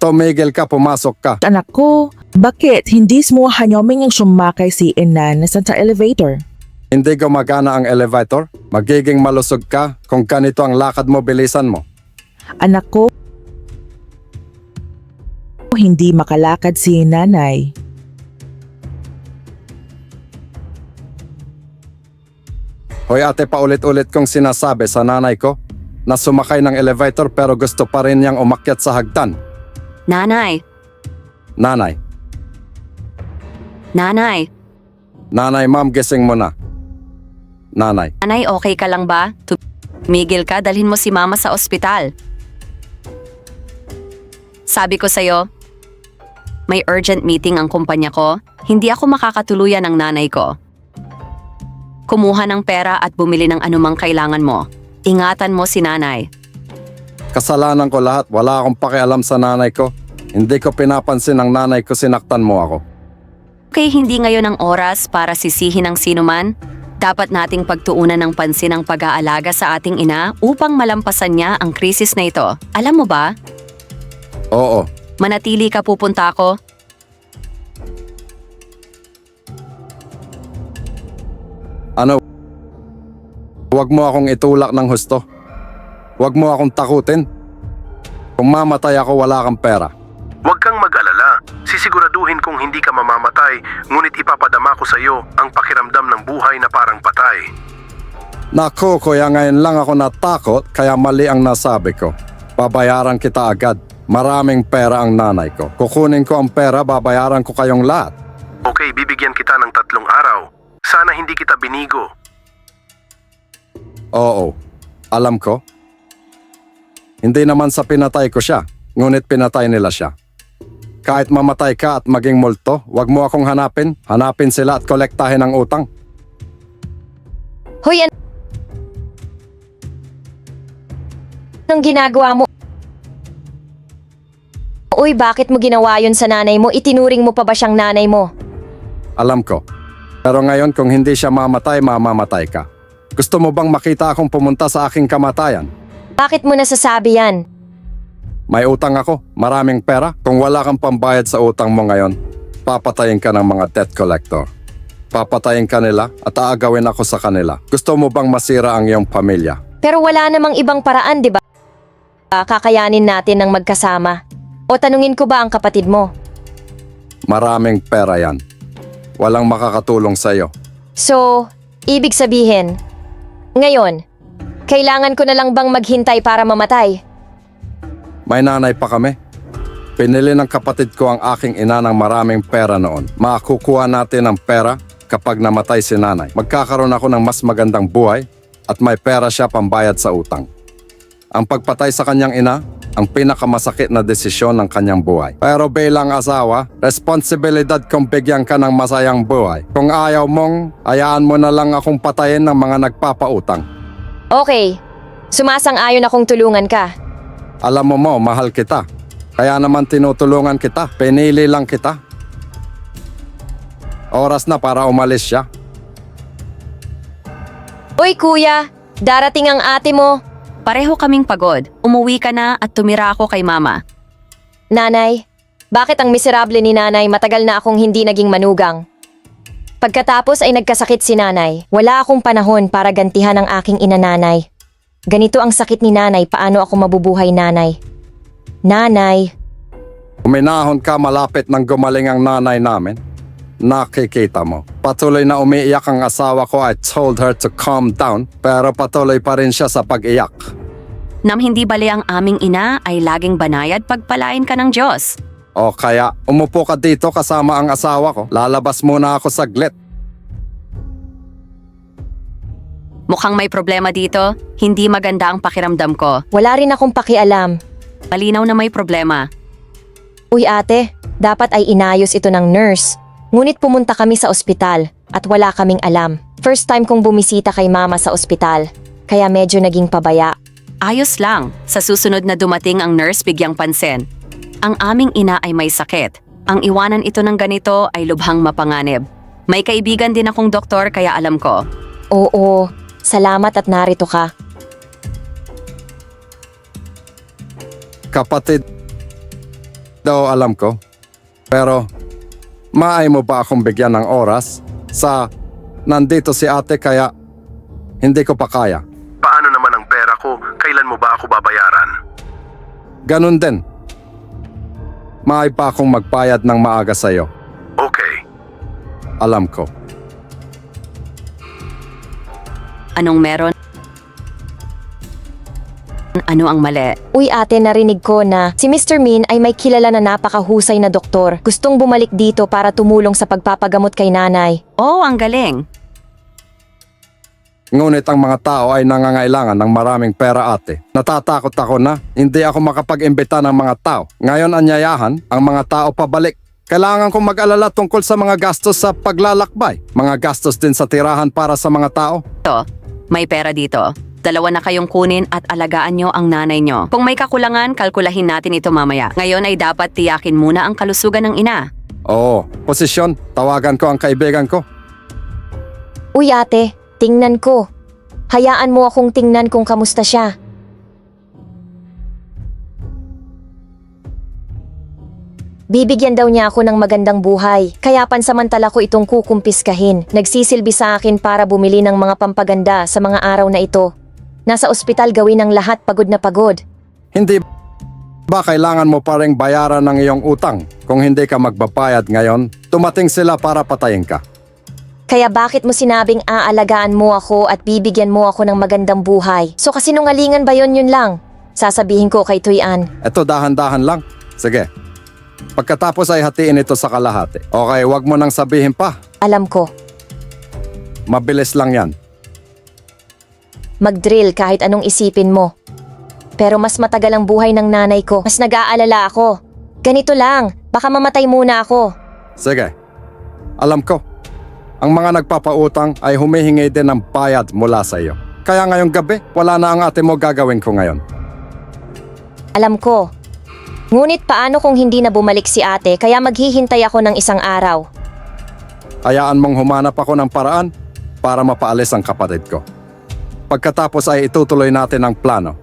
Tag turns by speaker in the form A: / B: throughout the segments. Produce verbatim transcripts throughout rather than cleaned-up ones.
A: tumigil ka, pumasok ka.
B: Anak ko, bakit hindi mo hanyoming yung sumakay si Inan sa elevator?
A: Hindi gumagana ang elevator? Magiging malusog ka kung ganito ang lakad mo, bilisan mo.
B: Anak ko, hindi makalakad si nanay.
A: Hoy ate, paulit-ulit kong sinasabi sa nanay ko na sumakay ng elevator pero gusto pa rin niyang umakyat sa hagdan.
C: Nanay,
A: Nanay,
C: nanay,
A: nanay ma'am, gising mo na. Nanay,
C: nanay okay ka lang ba? Tumigil ka, dalhin mo si mama sa ospital. Sabi ko sa'yo, may urgent meeting ang kumpanya ko, hindi ako makakatuluyan ng nanay ko. Kumuha ng pera at bumili ng anumang kailangan mo. Ingatan mo si nanay.
A: kasalanan ko lahat, wala akong pakialam sa nanay ko. Hindi ko pinapansin ang nanay ko, sinaktan mo ako.
C: Okay, hindi ngayon ang oras para sisihin ng sinuman. Dapat nating pagtuunan ng pansin ang pag-aalaga sa ating ina upang malampasan niya ang krisis na ito. Alam mo ba?
A: Oo,
C: Manatili ka, pupunta ako.
A: ano? Huwag mo akong itulak ng husto. Huwag mo akong takutin. Kung mamatay ako, wala kang pera.
D: Huwag kang mag-alala. Sisiguraduhin kong hindi ka mamamatay, ngunit ipapadama ko sa iyo ang pakiramdam ng buhay na parang patay.
A: Naku, kuya, ngayon lang ako natakot, kaya mali ang nasabi ko. Babayaran kita agad. Maraming pera ang nanay ko. Kukunin ko ang pera, babayaran ko kayong lahat.
D: Okay, bibigyan kita ng tatlong araw. Sana hindi kita binigo.
A: Oo, alam ko. Hindi naman sa pinatay ko siya, ngunit pinatay nila siya. Kahit mamatay ka at maging multo, wag mo akong hanapin. Hanapin sila at kolektahin ang utang.
E: Hoy, an- anong ginagawa mo? Uy, bakit mo ginawa yun sa nanay mo? Itinuring mo pa ba siyang nanay mo?
A: Alam ko. Pero ngayon kung hindi siya mamatay, mamamatay ka. Gusto mo bang makita akong pumunta sa aking kamatayan?
E: Bakit mo nasasabi yan?
A: May utang ako, maraming pera. Kung wala kang pambayad sa utang mo ngayon, papatayin ka ng mga debt collector. Papatayin ka nila at aagawin ako sa kanila. Gusto mo bang masira ang iyong pamilya?
E: Pero wala namang ibang paraan, di ba? Kakayanin natin ng magkasama. O tanungin ko ba ang kapatid mo?
A: Maraming pera yan. Walang makakatulong sa iyo.
E: So, ibig sabihin, ngayon, kailangan ko na lang bang maghintay para mamatay?
A: May nanay pa kami. Pinili ng kapatid ko ang aking ina ng maraming pera noon. Makukuha natin ang pera kapag namatay si nanay. Magkakaroon ako ng mas magandang buhay at may pera siya pambayad sa utang. Ang pagpatay sa kanyang ina, ang pinakamasakit na desisyon ng kanyang buhay. Pero bilang asawa, responsibilidad kong bigyan ka ng masayang buhay. Kung ayaw mong, hayaan mo na lang akong patayin ng mga nagpapautang.
E: Okay, sumasang-ayon akong tulungan ka.
A: Alam mo mo, mahal kita. Kaya naman tinutulungan kita. Pinili lang kita. Oras na para umalis siya.
E: Uy kuya, darating ang ate mo.
C: Pareho kaming pagod. Umuwi ka na at tumira ako kay mama.
E: Nanay, bakit ang miserable ni nanay matagal na akong hindi naging manugang? Pagkatapos ay nagkasakit si nanay. Wala akong panahon para gantihan ang aking ina nanay. Ganito ang sakit ni nanay, paano ako mabubuhay nanay? Nanay,
A: Uminahon ka malapit nang gumaling ang nanay namin. Nakikita mo. Patuloy na umiiyak ang asawa ko. I told her to calm down, pero patuloy pa rin siya sa pag-iyak.
C: Nam hindi bali ang aming ina ay laging banayad pagpalain ka ng Diyos.
A: O kaya, umupo ka dito kasama ang asawa ko. Lalabas muna ako saglit.
C: Mukhang may problema dito. Hindi maganda ang pakiramdam ko.
E: wala rin akong pakialam.
C: Malinaw na may problema.
E: Uy ate, dapat ay inayos ito ng nurse. Ngunit pumunta kami sa ospital at wala kaming alam. First time kong bumisita kay mama sa ospital, kaya medyo naging pabaya.
C: Ayos lang. Sa susunod na dumating ang nurse, bigyang pansin. Ang aming ina ay may sakit. Ang iwanan ito ng ganito ay lubhang mapanganib. May kaibigan din akong doktor kaya alam ko.
E: Oo, salamat at narito ka.
A: Kapatid, daw alam ko. Pero, maay mo ba akong bigyan ng oras sa nandito si ate kaya hindi ko pa kaya.
D: Paano naman ang pera ko? Kailan mo ba ako babayaran?
A: Ganun din. Maay pa akong magbayad ng maaga sa'yo.
D: Okay.
A: Alam ko.
C: Anong meron? Ano ang mali?
E: Uy ate, narinig ko na si mister Min ay may kilala na napakahusay na doktor. Gustong bumalik dito para tumulong sa pagpapagamot kay nanay.
C: Oh, ang galing.
A: Ngunit ang mga tao ay nangangailangan ng maraming pera ate. Natatakot ako na hindi ako makapag-imbita ng mga tao. Ngayon anyayahan ang mga tao pabalik. Kailangan kong mag-alala tungkol sa mga gastos sa paglalakbay. Mga gastos din sa tirahan para sa mga tao.
C: Ito, may pera dito. Dalawa na kayong kunin at alagaan nyo ang nanay nyo. Kung may kakulangan, kalkulahin natin ito mamaya. Ngayon ay dapat tiyakin muna ang kalusugan ng ina.
A: Oo, posisyon. Tawagan ko ang kaibigan ko.
E: Uy ate, tingnan ko. Hayaan mo akong tingnan kung kamusta siya. Bibigyan daw niya ako ng magandang buhay, kaya pansamantala ko itong kukumpiskahin. Nagsisilbi sa akin para bumili ng mga pampaganda sa mga araw na ito. Nasa ospital gawin ang lahat pagod na pagod.
A: Hindi ba kailangan mo pa ring bayaran ng iyong utang? Kung hindi ka magbabayad ngayon, tumating sila para patayin ka.
E: Kaya bakit mo sinabing aalagaan mo ako at bibigyan mo ako ng magandang buhay? So kasinungalingan ba yon yun lang? Sasabihin ko kay Tuyan.
A: Eto dahan-dahan lang. Sige. Pagkatapos ay hatiin ito sa kalahati. Okay, wag mo nang sabihin pa.
E: Alam ko,
A: Mabilis lang yan.
E: mag-drill kahit anong isipin mo. Pero mas matagal ang buhay ng nanay ko. Mas nag-aalala ako. Ganito lang, baka mamatay muna ako.
A: Sige. Alam ko. Ang mga nagpapautang ay humihingi din ng bayad mula sa iyo. Kaya ngayong gabi, wala na ang ate mo gagawin ko ngayon.
E: Alam ko. Ngunit paano kung hindi na bumalik si ate kaya maghihintay ako ng isang araw?
A: Hayaan mong humanap ako ng paraan para mapaalis ang kapatid ko. Pagkatapos ay itutuloy natin ang plano.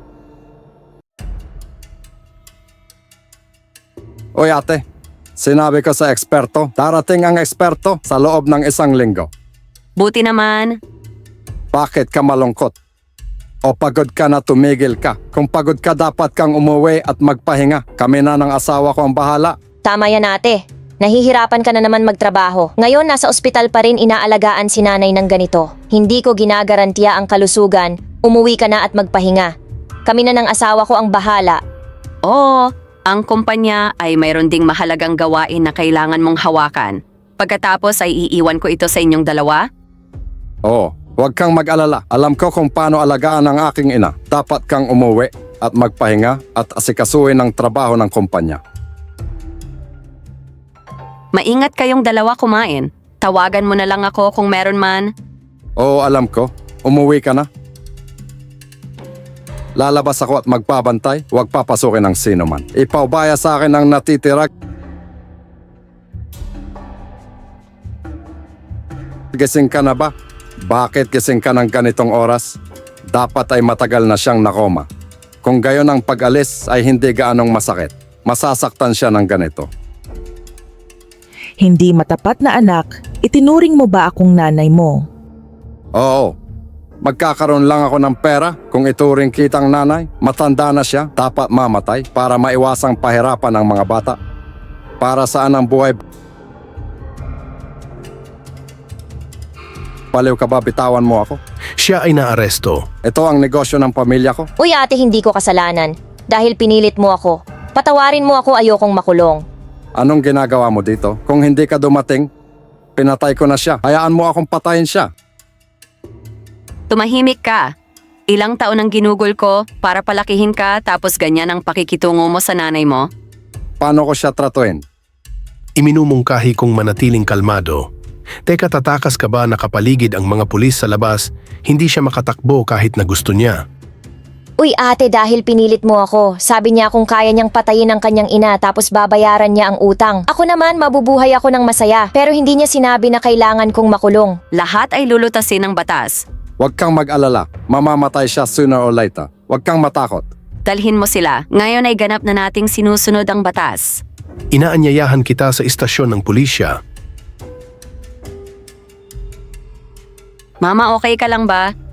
A: Oy ate, sinabi ko sa eksperto, darating ang eksperto sa loob ng isang linggo.
C: Buti naman.
A: Bakit ka malungkot? O pagod ka na tumigil ka? Kung pagod ka dapat kang umuwi at magpahinga. Kami na ng asawa ko ang bahala.
E: Tama yan ate. Nahihirapan ka na naman magtrabaho. Ngayon nasa ospital pa rin inaalagaan si nanay ng ganito. Hindi ko ginagarantiya ang kalusugan. Umuwi ka na at magpahinga. Kami na ng asawa ko ang bahala.
C: Oo, ang kumpanya ay mayroon ding mahalagang gawain na kailangan mong hawakan. Pagkatapos ay iiwan ko ito sa inyong dalawa.
A: Oo, huwag kang mag-alala. Alam ko kung paano alagaan ang aking ina. Dapat kang umuwi at magpahinga at asikasuhin ang trabaho ng kumpanya.
C: Maingat kayong dalawa kumain. Tawagan mo na lang ako kung meron man.
A: Oo, alam ko. Umuwi ka na. Lalabas ako at magpabantay. Huwag papasukin ng sino man. Ipaubaya sa akin ang natitira. Gising ka na ba? Bakit gising ka ng ganitong oras? Dapat ay matagal na siyang nakoma. Kung gayon ang pag-alis ay hindi gaanong masakit. Masasaktan siya ng ganito.
B: Hindi matapat na anak, itinuring mo ba akong nanay mo?
A: Oo. Magkakaroon lang ako ng pera kung ituring kitang nanay. Matanda na siya, dapat mamatay para maiwasang pahirapan ng mga bata. Para saan ang buhay? Baliw ka ba, bitawan mo ako?
D: Siya ay naaresto.
A: Ito ang negosyo ng pamilya ko.
E: Uy ate, hindi ko kasalanan. Dahil pinilit mo ako. Patawarin mo ako, ayokong makulong.
A: Anong ginagawa mo dito? Kung hindi ka dumating, pinatay ko na siya. Hayaan mo akong patayin siya.
C: Tumahimik ka. Ilang taon ang ginugol ko para palakihin ka tapos ganyan ang pakikitungo mo sa nanay mo?
A: Paano ko siya tratuin?
D: Iminumungkahi kong manatiling kalmado. Teka, tatakas ka ba nakapaligid ang mga pulis sa labas? Hindi siya makatakbo kahit na gusto niya.
E: Uy ate, dahil pinilit mo ako. Sabi niya kung kaya niyang patayin ang kanyang ina tapos babayaran niya ang utang. Ako naman, mabubuhay ako ng masaya. Pero hindi niya sinabi na kailangan kong makulong.
C: Lahat ay lulutasin ng batas.
A: Huwag kang mag-alala. Mamamatay siya sooner or later. Huwag kang matakot.
C: Dalhin mo sila. Ngayon ay ganap na nating sinusunod ang batas.
D: Inaanyayahan kita sa istasyon ng pulisya.
C: Mama, okay ka lang ba?